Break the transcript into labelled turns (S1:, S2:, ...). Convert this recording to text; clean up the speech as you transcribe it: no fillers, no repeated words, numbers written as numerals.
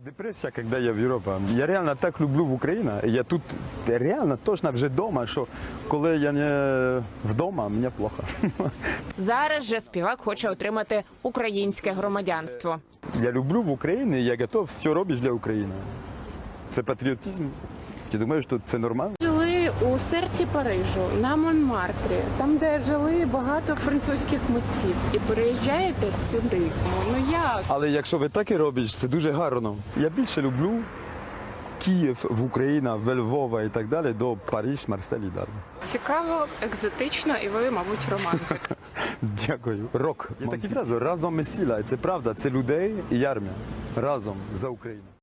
S1: Депрессия, когда я в Европе. Я реально так люблю в Україну. Я тут реально точно вже вдома, що коли я не вдома, мені плохо.
S2: Зараз же співак хоче отримати українське громадянство.
S1: Я люблю в Україні, я готов все робити для України. Це патріотизм. Ти думаєш, що це нормально?
S3: Жили у серці Парижу, на Монмартрі, там, де жили багато французьких митців. І переїжджаєте сюди. Ну як?
S1: Але якщо ви так і робите, це дуже гарно. Я більше люблю Київ, в Україну, в Львова і так далі, до Париж, Марсель і далі.
S3: Цікаво, екзотично, і ви, мабуть, романтик.
S1: Дякую. Рок. Є такі фрази. Разом ми сила. І це правда. Це людей і армія. Разом за Україну.